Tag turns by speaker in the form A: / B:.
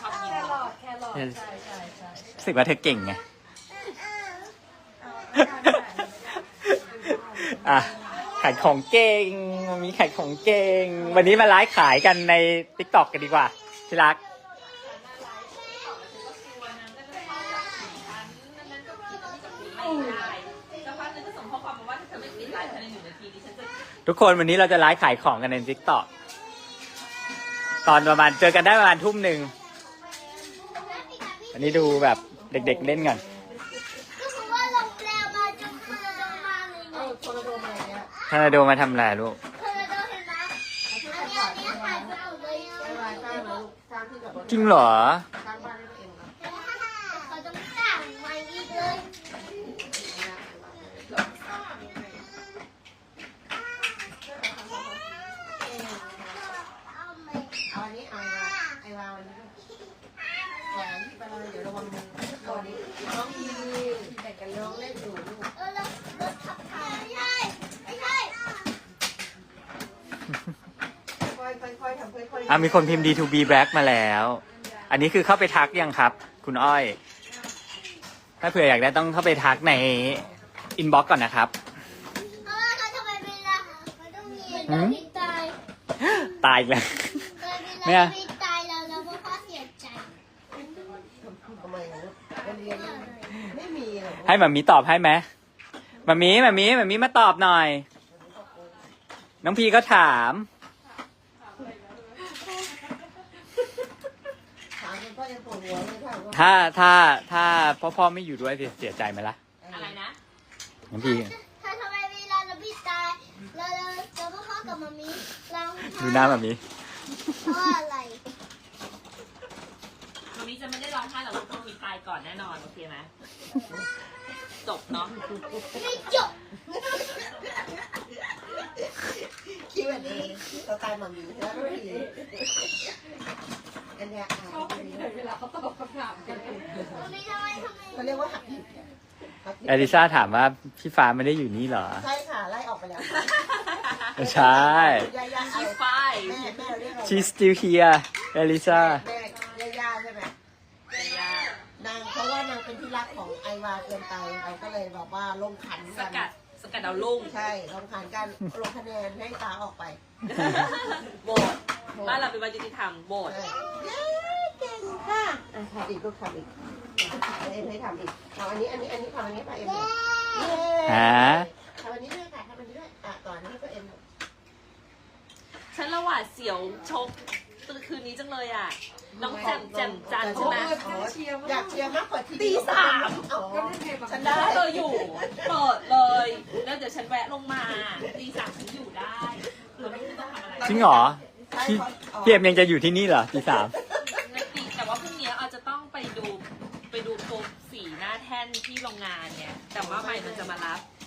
A: อบกิน
B: แครอทใช่
C: รู้สึกว่าเธอเก่งไงอ่ะขายของเก่งมีขายของเก่งวันนี้มาไลฟ์ขายกันใน TikTok กันดีกว่าที่รักทุกคนวันนี้เราจะไลฟ์ขายของกันใน TikTok ตอนประมาณเจอกันได้ประมาณ 19:00 น.วันนี้ดูแบบเด็กๆเล่นกัน
D: ก็คือว่าลงแล้วมาจนทอร์นาโดมาเลยไง
B: โทรโดมอะไรเงี้ย
C: ทอร์นาโดมาทำอะไรลูก
D: ทอร์นาโดเห็นไหมอันนี้หายไปหมดเลย
B: ไม่ไรสร้างแล้วสร้างที่จอดรถ
C: จริงเหรอ
B: สร้างบ้านให้ตัวเองนะ
D: เขาต้องสั่งมาอีกเลย
B: เอาอันนี้เอาไอ้วาวอันนี้แหวนที่ไปเลยเดี๋ยวระวังมือตัวนี้น้องมีแบ่งกันน้องเล่นอยู่ลูก
D: แล้วรถขับถ่ายไม่ใช่ไม่ใช่
B: ค่อยๆทำค่อยๆ
C: อ่ะมีคนพิมพ์ D2B Black มาแล้ว อันนี้คือเข้าไปทักยังครับ คุณอ้อย ถ้าเผื่ออยากได้ต้องเข้าไปทักในอินบ็อกก่อนนะครับ
D: เพราะว่าเขาทำไมเวลามันต้องมีเราตาย
C: ตายอีกแล้ว
D: เวลาเราตายเราก็พ่อเสียใจ
B: ทำไมนะเรียนไม่มีหรอ
C: ให้หมามีตอบให้ไหมหมามีมาตอบหน่อย น้องพีก็ถาม
B: ถามคุณพ่อยังปวดหัวเลยค่ะว่า
C: ถ้าพ่อไม่อยู่ด้วยเสียใจไหมล่ะ
A: อะไรนะ
C: น้องพี
D: ถ้าทำไมเวลาเราตายเราพ่อกับมามีเรา
C: ดูหน้าหมามี
D: เพราะอะไร
A: วันนี้จะไม่ได้ร้องไห้หรอกลูกต้องมีตายก่อนแน่นอนโอเคไหมจบเนาะ
D: ไม่จบ
B: คิดแบบนี้เราตายหมันอยู่แล้วทุกทีอันเนี้ย
A: ชอบเวลาเขาตอบคำถามกัน
D: มามีทำไม
B: เขาเรียกว่าหักดิบ
C: เอลิซ่าถามว่าพี่ฟ้าไม่ได้อยู่นี่เหรอ
B: ใช่ค่ะไล่ออกไปแล้ว
C: ไม่ใช่
B: ย่า
A: ชี
B: ๆ
A: ไฟ
B: แม่เรียกเรา
C: She's still here เอลิซ่า
B: แม่ย่าใช่ไหมนางเพราะว่านางเป็นที่รักของไอวาเกินไปเราก็เลยแบบว่าลงขัน
A: ส
B: กัน
A: กัดดาวรุ่ง
B: ใช่ลงขันกันลงคะแนนให้ตาออกไป
A: โบสบ้านเราเป็นวันยุติธรรมโบส
B: ใช่เก่งค่ะทำอีกลูกทำอีกเอ็มให้ทำอีกเอาอันนี้ทำอันนี้ไปเอ็ม
C: ฮะ
B: ทำอันนี้ด้วยค่ะทำอันนี้ด้วยก่อนนี้ก็เอ็ม
A: ฉันละหวาดเสียวชกตื่นคืนนี้จังเลยอ่ะ น้องแจ่มจันใช่ไหม
B: อยากเชียร์มากกว่าที
A: ตีสาม
B: ฉันได้
A: ถ้าเธออยู่เปิดเลย แล้วเดี๋ยวฉันแวะลงมาตีสามฉันอยู่ได้หรือไม่ต้องทำอะไร
C: จริงเหรอพี่เอ็มยังจะอยู่ที่นี่เหรอตี 3
A: ไม่ตีแต่ว่าพรุ่งนี้อาจจะต้องไปดูโคมสีหน้าแท่นที่โรงงานเนี่ย แต่ว่าใหม่มันจะมารับ